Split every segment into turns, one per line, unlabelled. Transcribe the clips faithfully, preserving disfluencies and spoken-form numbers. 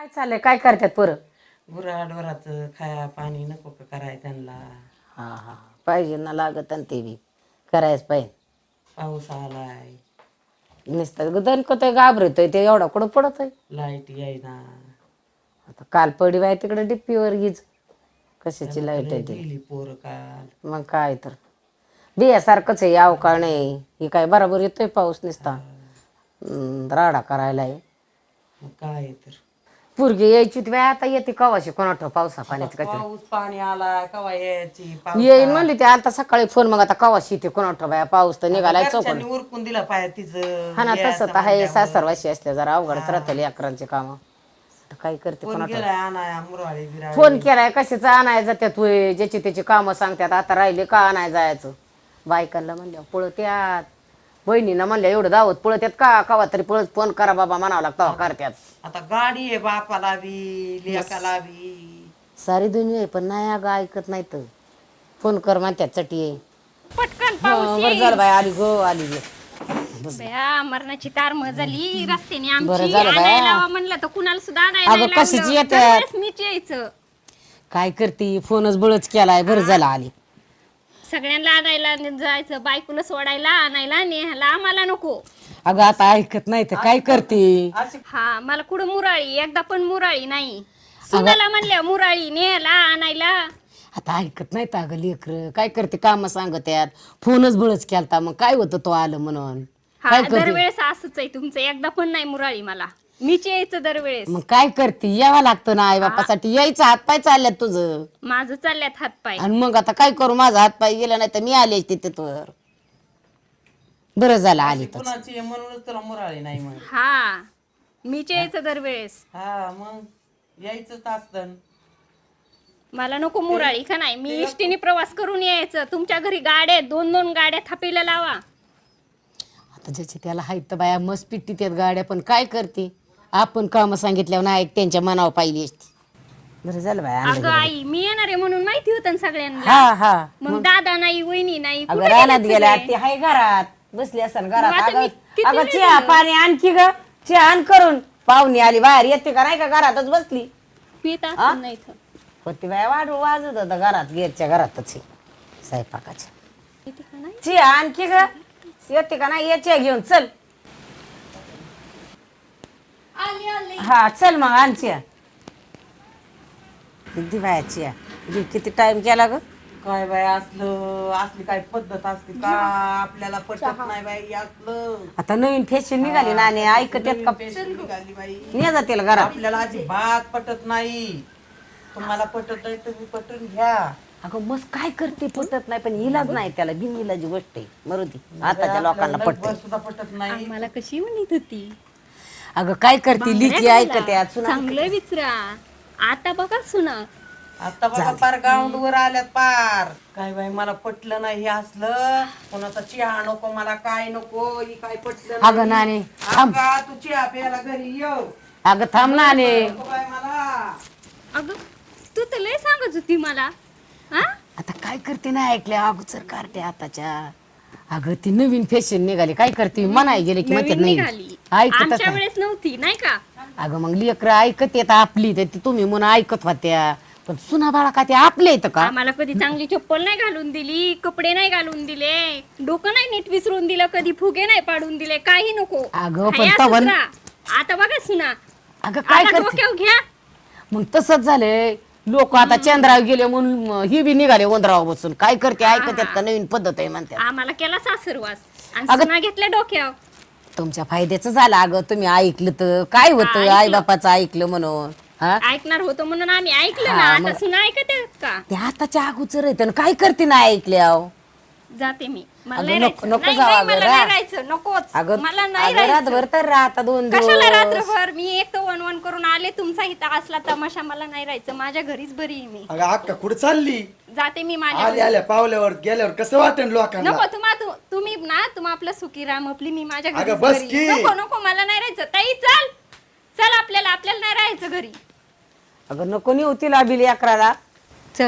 काय चाललंय काय करतात पोरं?
गुराढोराचं खाया पाणी नको का कराय त्यांना.
हा हा पाहिजे ना लागत आणि ते बी करायच पाहिजे.
पाऊस आलाय,
नुसतं दणकतोय घाबरतोय ते एवढा कुठं पडत आहे.
लाईट येईना.
आता काल पडी बाय तिकडे डिप्पीवर गीज कशाची
त्याला
लाईट
तर
आहे ते.
गेली पोर काल.
मग काय तर बियासारखंच आहे याव का नाही हे काय बरोबर येतोय पाऊस नुसता हम्म, राडा करायला आहे.
मग काय तर
पोरगी यायची होती बाय आता येते कवाशी कोणाठ पावसा
आता
पाण्याची काय
पाऊस पाणी आलाय कवा यायची
येईन
पावसात.
म्हणली ते आता सकाळी फोन मग आता कवाशी येते कोणाठ बाया पाऊस तर
आता
निघालाय चौकड.
घरच्यांनी उरकून दिला पाहिजे तिचं
हा ना तसं
यायचं
तर आहे
म्हणल्यावर.
सासरवाशी असल्या जरा अवघडच
हा.
राहते अकरांचे काम. आता काय करते
कोण
कोणाठ.
गेलाय आणाया मुरवाळी बिराळी.
फोन केलाय कशाचं आणाय जात्यात होय ज्याची त्याची कामं सांगतात आता राहिले का आणाय जायचं. बायकांना म्हणल्या पळत्यात बहिणीनं म्हणल्या एवढं दावत पळत्यात का कवा तरी पळत फोन करा बाबा म्हणावं लागतं करत्यात.
आता गाडी आहे बापाला बी लेकाला बी.
सारी दुनिया आहे पण नाही अगं ऐकत नाही तर फोन कर म्हणत्यात चटी आहे.
पटकन
हा
पाऊस
बरं झालं बाय आली गो आली गे.
बया मरणाची तार झाली रस्त्याने
बरं
आमची
झालं बाया.
आणायला म्हणलं तर कुणाला सुद्धा आणायला
अगं
नाही लावलं.
कशाची येत्यात?
दरवेळेस मीच यायचं
काय करते फोनच बळच केलाय बरं झालं आली.
सगळ्यांना आणायला जायचं बायकोला सोडायला आणायला नेहाला आम्हाला नको.
अगं आता ऐकत नाही तर काय करते.
हा मला कुठं मुराळी एकदा पण मुराळी नाही सुनाला म्हणल्या मुराळी नेहाला आणायला.
आता ऐकत नाही तर अगं लेकर काय करते काम सांगत्यात फोनच बळच केलता मग काय होतं तो आलं म्हणून
हा
काय करते.
दरवेळेस असंच आहे तुमचं एकदा पण नाही मुराळी मला मीच यायचं दरवेळेस.
मग काय करते यावं लागतं ना आई बापासाठी यायचं हातपाय चालल्यात तुझं
माझं चालल्यात हातपाय.
आणि मग आता काय करू माझा हातपाय गेला नाही तर मी आले तिथे तर बरं झालं आली तर.
कुणाची आहे म्हणूनच तुला मुराळी नाही मग.
हा मीच यायचं दरवेळेस.
हा मग यायचंच असतं.
मला नको मुराळी का नाही मी इष्टीने प्रवास करून यायचं. तुमच्या घरी गाड्या आहेत, दोन दोन गाड्या थापीला लावा.
आता ज्याची त्याला हायत तर बाया मस्त पिट्टी त्यात गाड्या पण काय करते आपण काम सांगितल्यावर नाही त्यांच्या मनावर पाहिली असती. बरं झालं बाया आणलं
अगं
गेलं.
आई मी येणार आहे म्हणून माहिती होतं ना सगळ्यांना.
हा हा
मग दादा नाही वहिनी नाही
अगं
कुठे
रानात
गेलेत
गेल्या
सगळे?
ते हाय घरात बसली असन घरात.
मग आता
अगं
मी किती
अगं
वेळ
चहा
झालं?
पाणी आणखी ग चहा आण करून पाहुणी आली बाहेर येते का नाही का घरातच बसली
पित असेल नाही तर.
होती बाय वाढू वाजत होता घरात गेरच्या घरातच आहे, स्वयंपाकाच्या.
पिते का नाही?
चहा आणखी ग येते का नाही याच्या घेऊन चल.
आली आली.
हा चल मग आण चहा. किती बाया चहा दे, किती टाइम केला ग.
काय बाय असलं असली काय पद्धत असते का आपल्याला पटत नाही बाई असलं.
आता नवीन फॅशन निघाली ना आणि ऐकत येत का
पेशंट निघाली बाई.
ने जातील घरात.
आपल्याला अजिबात पटत नाही. तुम्हाला पटत आहे तुम्ही पटून घ्या.
अगं मस्त काय करते पटत नाही पण इलाज नाही त्याला बिन इलाजी गोष्ट आहे मरुदी आताच्या लोकांना
आपल्याला
पटत.
लग्न सुद्धा पटत नाही.
मला कशी म्हणत होती
अगं काय करते लिखी ऐकत यात सुना.
चांगलं विचरा. आता बघा सुना
आता बघा पार ग्राउंड वर आल्यात पार. काय बाई मला पटलं नाही हे असलं. कोणाचा चहा नको मला काय नको ही काय पटलं
अगं नाने थांब.
अगं, तू चहा प्यायला घरी येऊ
अगं थांब नाने.
नको बाई मला.
अगं तू तर लय सांगत होती मला. हा
आता काय करते ना ऐकले अगोदर करते आताच्या. अगं ती नवीन फॅशन निघाली काय करते मनाय गेले की म्हणते
नवीन
नाही
निघाली
ऐकतच
आमच्या
नाही.
वेळेस नव्हती नाही का.
अगं मग लेकर ऐकत येत आपली तर ती तुम्ही म्हणून ऐकत होत्या पण सुना बाळा का ते आपले येतं का.
आम्हाला कधी चांगली चप्पल नाही घालून दिली, कपडे नाही घालून दिले, डोकं नाही नीट विसरून दिलं, कधी फुगे नाही पाडून दिले, काही नको.
अगं, पण
हाय असंच
तवन-
राहा. आता बघा सुना
अगं काय
आता
करते
डोक्यावर घ्या.
मग तसंच झालंय लोक आता चंद्रावर गेले म्हणून ही बी निघाले उंदरावर बसून काय करते ऐकत येत का नवीन पद्धत आहे म्हणते.
आम्हाला केला सासरवास आणि
अगं-
सुना घेतल्या डोक्यावर.
तुमच्या फायद्याचं झालं अगं तुम्ही ऐकलं तर काय होतं
ऐकलं.
आई बापाचं ऐकलं म्हणून. हा
ऐकणार होतं म्हणून आम्ही ऐकलं
हा,
ना. आता
मग-
सुना ऐकत आहेत का.
ते आताच्या अगोदर येतं काय करते ना ऐकल्या.
जाते मी मला
अगं,
नाही
नको-
राहायचं.
नको
नाही,
जाऊ
नाही,
अगं,
मला
रा.
नाही राहायचं नकोच
अगं
मला नाही
अगं,
राहायचं.
रातभर तर राहता दोन
कशाला
दिवस.
रात्रभर मी एक तर वन वन करून आले तुमचा इथं असला तमाशा. मला नाही राहायचं माझ्या घरीच बरी आहे मी.
अगं अक्का कुठे चालली
जाते मी माझ्या
आल्या
घरी.
आल्या पावल्यावर गेल्यावर कसं वाटेल लोकांना.
नको तुम्हा तु- तुम्ही ना तुम्हा आपलं सुखी राम आपली मी माझ्या घरी
अगं, बस की.
नको नको मला नाही राहायचं. ताई चल चल आपल्याला आपल्याला नाही राहायचं घरी.
अगं नको नाही होती लाबिली अकराला.
चल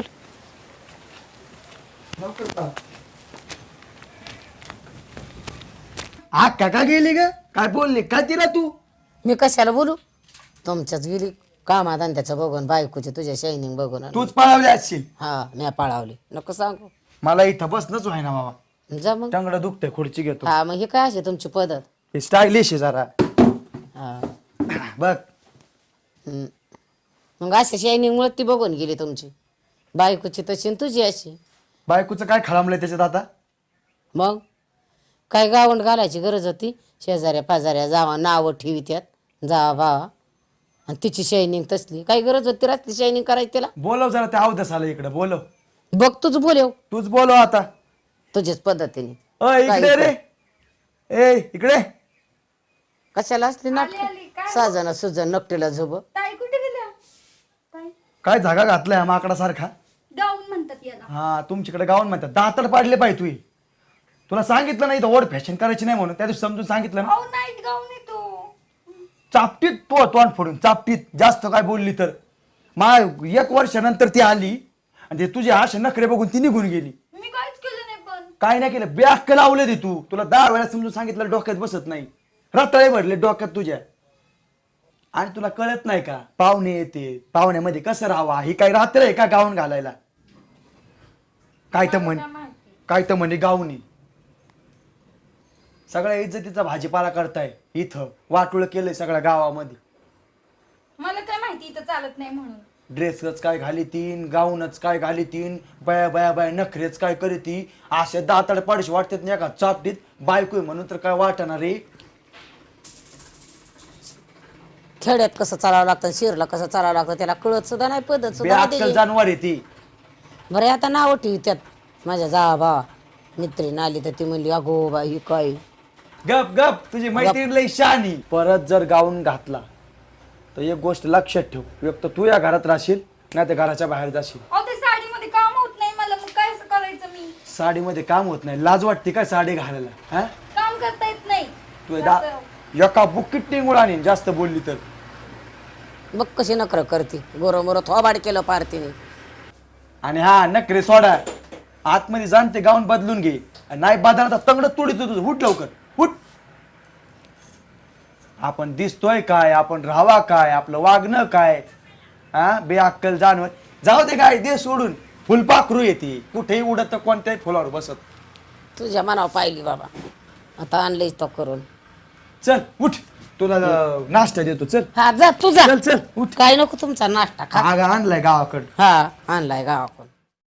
अक्का का गेली ग काय बोलली काय तिला तू.
मी कशाला बोलू तुमच्याच गेली कामाधंद्याचं बघून बायकोचे तुझ्या शायनिंग बघून आलो.
तूच पळावली असशील.
हा मी पाळावली नको सांगू.
मला इथं बसणंच व्हाय ना बाबा,
जा मग.
टंगडं दुखते, खुर्ची घेतो.
हा मग हे काय असे तुमची पद्धत.
हे स्टायलिश आहे जरा.
हा
बघ
हम्म. मग अशा शायनिंग मुळे ती बघून गेली तुमची बायकोची तशी आणि तुझी अशी.
बायकोचं काय खळामलंय त्याच्यात आता.
मग काय गावंड घालायची गरज होती. शेजाऱ्या पाजाऱ्या जावा नावं ठेवी त्यात जावा भावा आणि तिची शायनिंग तसली काय गरज होती रात्री शायनिंग करायची तिला.
बोलव जरा त्या अवधस आला इकडे, बोलव.
बघ तुझ बोलव
तूच बोलव आता.
तुझ्याच पद्धतीने.
अ इकडे रे, ए इकडे.
कशाला असली
आली,
नाटक
आली. काय
साजन सुजन नकटीला झोब.
ताई कुठे गेल्या? ताई
काय जागा घातलाय माकडा सारखा.
गाऊन म्हणतात याला.
हा तुमच्याकडे गाऊन म्हणतात. दातड पाडले पाहिजे तू. तुला सांगितलं नाही तर ओढ फॅशन करायची नाही म्हणून त्या दिवशी समजून सांगितलं ना.
अहो नाईट गाऊन येतो.
चापटीत तो तोंड फोडून चापटीत जास्त काय बोलली तर. मा एक वर्षानंतर ती आली आणि ते तुझे असे नखरे बघून ती निघून गेली.
मी काहीच केलं नाही पण.
काय नाही केलं, बॅक लावले ते तू. तुला दहा वेळा समजून सांगितलं डोक्यात बसत नाही. रताळे भरले डोक्यात तुझ्या. आणि तुला कळत नाही का पाहुणे येते, पाहुण्यामध्ये कसं राहावा. ही काय रात्र आहे का गाऊन घालायला. काय तर म्हण काय तर म्हणे गाऊनी. सगळ्या इज्जतीचा भाजीपाला करताय इथं. वाटोळ केलंय सगळ्या गावामध्ये.
मला काय माहिती इथं चालत नाही म्हणून.
ड्रेसच काय घाली तीन, गाऊनच काय घाली तीन, बया बया बया नखरेच काय करी ती. अशा दाताड पाडशी वाटतात नाही का चापटीत. बायको आहे म्हणून तर काय वाटणार रे.
खेड्यात कसं चालावं लागतं शिरला कसं चालावं लागतं त्याला कळत सुद्धा नाही पद्धत सुद्धा नाही
बेअक्कल
त्याची.
जानवर आहे ती.
बरं आता नाव ठेवी त्यात माझ्या जा भावा मित्रीण आली तर ती म्हणली अगो बाई ही काय.
गप गप, तुझी मैत्रीण लई शहाणी. परत जर गाऊन घातला तर एक गोष्ट लक्षात ठेव, एक तर तू या घरात राहशील नाही तर घराच्या बाहेर जाशील.
अहो ते साडीमध्ये काम होत नाही मला, मग काय असं करायचं मी?
साडीमध्ये काम होत नाही, लाज वाटते काय साडी घालायला. हा
काम करता येत नाही.
तू दा एका बुक्कीत टिंगूळ आणि जास्त बोलली तर.
बघ कशी नकर करते गोरं मोरं थोबाड केलं पार तिने.
आणि हा नखरे सोडा, आतमध्ये जाण ते गाऊन बदलून घे. नाही बदलता तंगड तोडीत तुझं. उठ लवकर उठ. आपण दिसतोय काय, आपण राहावा काय, आपलं वागणं काय. हा बेअक्कल जानवर. जाऊ दे काय दे सोडून. फुलपाखरू येते कुठेही उडत कोणत्याही फुलावर बसत.
तुझ्या मनावर पाहिली बाबा आता आणलंय तो करून.
चल उठ, तुला अं, नाश्ता देतो. चल
हा जा तुझा
चल चल उठ.
काय नको तुमचा नाश्ता खा.
हा आणलाय गावाकडं.
हा आणलाय गावाकडून.